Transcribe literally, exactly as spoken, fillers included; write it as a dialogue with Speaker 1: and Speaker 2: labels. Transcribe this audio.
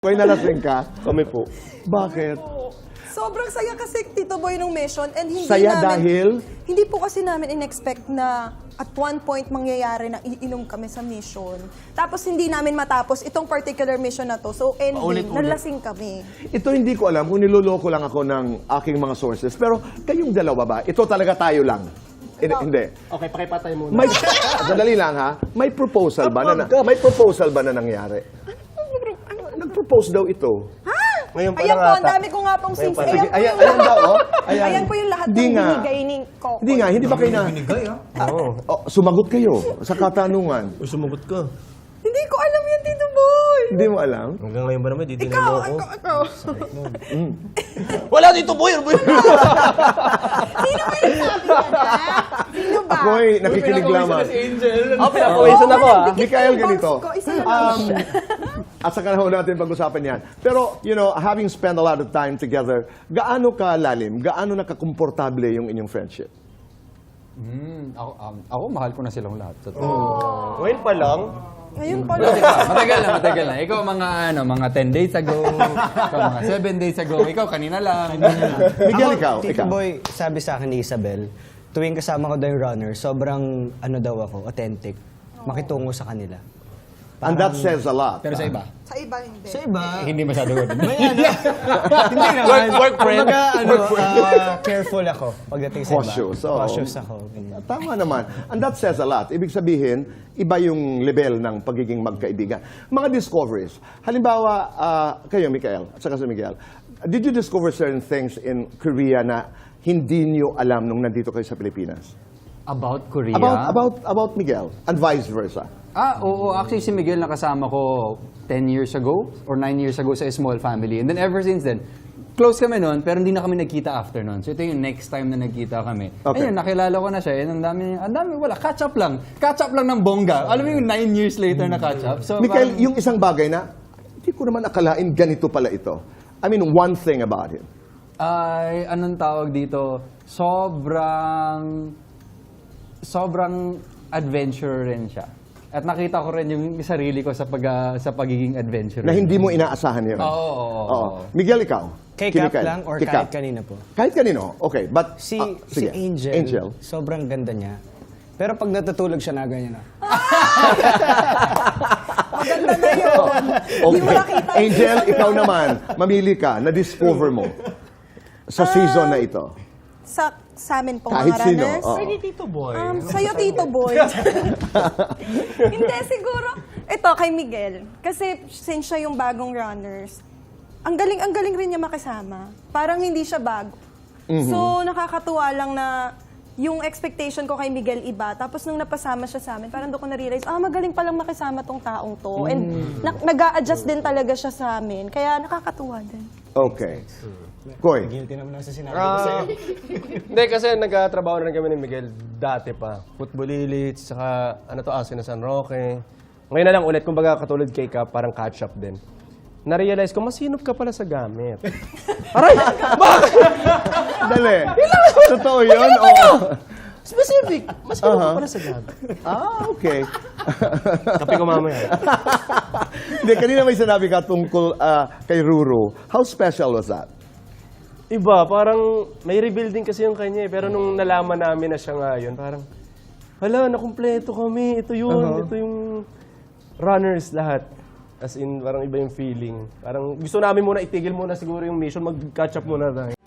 Speaker 1: May nalasing ka?
Speaker 2: Kami po.
Speaker 1: Bakit?
Speaker 3: Sobrang saya kasi, Tito Boy, nung mission. And hindi
Speaker 1: Saya
Speaker 3: namin,
Speaker 1: dahil?
Speaker 3: Hindi po kasi namin in-expect na at one point mangyayari na iinom kami sa mission. Tapos hindi namin matapos itong particular mission na to. So ending,
Speaker 2: Paulit-ulit.
Speaker 3: nalasing kami.
Speaker 1: Ito hindi ko alam kung niloloko lang ako ng aking mga sources. Pero kayong dalawa ba? Ito talaga tayo lang. Hindi. hindi.
Speaker 2: Okay, pakipatay muna.
Speaker 1: May, sandali lang ha. May proposal ba na, na may proposal ba na nangyari? Nag-propose daw ito.
Speaker 2: Ngayon pa
Speaker 3: Ayan
Speaker 2: lang
Speaker 3: po, ang
Speaker 2: ata.
Speaker 3: dami ko nga pong
Speaker 2: Ngayon
Speaker 3: sings.
Speaker 2: pa
Speaker 3: Ayan,
Speaker 2: lang.
Speaker 3: po
Speaker 1: Ayan,
Speaker 3: yung
Speaker 1: ayan daw, oh.
Speaker 3: ayan.
Speaker 1: Ayan.
Speaker 3: po yung lahat
Speaker 1: Hindi
Speaker 3: ng
Speaker 1: nga.
Speaker 3: binigay ni Coco.
Speaker 1: Hindi nga, hindi ba kayo na...
Speaker 4: Binigay, ah.
Speaker 2: Oo.
Speaker 1: Oh, sumagot kayo sa katanungan.
Speaker 2: Uy, sumagot ka.
Speaker 3: Hindi ko alam yan, Tito Boy.
Speaker 1: Hindi mo alam?
Speaker 2: Hanggang ngayon ba naman, di din
Speaker 3: Ikaw,
Speaker 2: mo ako.
Speaker 3: ikaw, ikaw.
Speaker 2: Wala dito, boy! Boy!
Speaker 3: Sino ba yung sabi ka na? Sino ba?
Speaker 1: Ako'y nakikinig lamang.
Speaker 2: Ah, pinapawisan ako ah.
Speaker 1: Mikael, ganito.
Speaker 3: Ko, isa lang
Speaker 1: Um,
Speaker 3: siya.
Speaker 1: at saka na ho natin pag-usapan yan. Pero, you know, having spent a lot of time together, gaano ka lalim, gaano nakakomportable yung inyong friendship?
Speaker 4: Hmm, ako, um, ako, mahal ko na silang lahat. Totoo.
Speaker 2: Ngayon pa lang.
Speaker 3: Ngayon pala.
Speaker 4: Matagal na, matagal na. Ikaw mga ano, mga ten days ago, ikaw mga seven days ago, ikaw kanina lang.
Speaker 1: Miguel,
Speaker 5: Ako,
Speaker 1: ikaw,
Speaker 5: Tito
Speaker 1: ikaw.
Speaker 5: Boy, sabi sa akin ni Isabel, tuwing kasama ko daw yung runner, sobrang ano daw ako, authentic. Makitungo sa kanila.
Speaker 1: And that says a lot.
Speaker 4: Pero sa iba,
Speaker 3: Sa iba, hindi.
Speaker 5: Sa iba,
Speaker 4: hindi masyado good.
Speaker 5: may ano, hindi naman.
Speaker 2: Work, work, friend.
Speaker 5: Kumbaga, ano, ah, careful ako pagdating sa
Speaker 1: Cautious,
Speaker 5: iba.
Speaker 1: oo.
Speaker 5: Cautious ako. ganyan.
Speaker 1: Tama naman. And that says a lot. Ibig sabihin, iba yung level ng pagiging magkaibigan. Mga discoveries. Halimbawa, ah, kayo, Mikael, at saka si Miguel, did you discover certain things in Korea na hindi nyo alam nung nandito kayo sa Pilipinas?
Speaker 4: About Korea?
Speaker 1: About, about, about Miguel, and vice versa.
Speaker 4: Ah, oo. Actually, si Miguel nakasama ko ten years ago or nine years ago sa small family. And then ever since then, close kami noon, pero hindi na kami nagkita after noon. So ito yung next time na nagkita kami.
Speaker 1: Okay.
Speaker 4: Ayun, nakilala ko na siya. And ang dami, ang dami, wala. Catch up lang. Catch up lang ng bongga. Alam mo yung nine years later na catch up. So,
Speaker 1: Mikael,
Speaker 4: parang-
Speaker 1: yung isang bagay na, hindi ko naman akalain ganito pala ito. I mean, one thing about him.
Speaker 4: Ay, anong tawag dito? Sobrang, sobrang adventurer rin siya. At nakita ko rin yung sarili ko sa pag ah, sa pagiging adventurer.
Speaker 1: Na hindi mo inaasahan yun.
Speaker 4: Oo, oo, oo.
Speaker 1: Oo. Miguel, ikaw?
Speaker 5: Kay
Speaker 1: Kay
Speaker 5: Cap
Speaker 1: Mikael.
Speaker 5: lang or
Speaker 1: Kay
Speaker 5: kahit
Speaker 1: Cap.
Speaker 5: kanina po?
Speaker 1: Kahit kanino. Okay, but...
Speaker 5: Si,
Speaker 1: ah,
Speaker 5: si
Speaker 1: sige.
Speaker 5: Angel,
Speaker 1: Angel.
Speaker 5: sobrang ganda niya. Pero pag natutulog siya na ganyan na.
Speaker 3: Maganda na yun. Hindi mo nakita.
Speaker 1: Angel, ikaw naman, mamili ka, na-discover mo sa season na ito.
Speaker 3: Sa, sa amin pong
Speaker 1: Kahit
Speaker 3: mga
Speaker 1: sino,
Speaker 3: runners.
Speaker 1: oo.
Speaker 2: Sige, Tito Boy.
Speaker 3: Um, sa'yo, Tito Boy. Hindi, siguro. Ito, kay Miguel. Kasi since siya yung bagong runners, ang galing, ang galing rin niya makisama. Parang hindi siya bago. So, nakakatuwa lang na yung expectation ko kay Miguel iba. Tapos nung napasama siya sa amin, parang doon ko na-realize, ah, magaling palang makisama tong taong to. And na- nag-a-adjust din talaga siya sa amin. Kaya nakakatuwa din.
Speaker 1: Okay. Koy,
Speaker 5: Guilty naman ako sa sinabi ko sa'yo.
Speaker 2: Hindi, kasi nagkatrabaho na rin kami ni Miguel dati pa. Football Elite, saka ano to, Asin na San Roque. Ngayon na lang ulit, kumbaga katulad kay Cap, parang catch up din. Na-realize ko, masinop ka pala sa gamit. Aray! Bakit?
Speaker 1: dali. Totoo yun? Oo.
Speaker 2: Specific! Masinop ka pala sa gamit.
Speaker 1: Ah, okay.
Speaker 2: Kape ko mamaya.
Speaker 1: Hindi, kanina may sinabi ka tungkol ah, kay Ruru. How special was that?
Speaker 2: Iba, parang may rebuilding kasi yung kanya eh. Pero nung nalaman namin na siya ngayon, parang, hala, nakumpleto kami. Ito yun, ito yung runners lahat. As in, parang iba yung feeling. Parang gusto namin muna itigil muna siguro yung mission, mag-catch up muna tayo.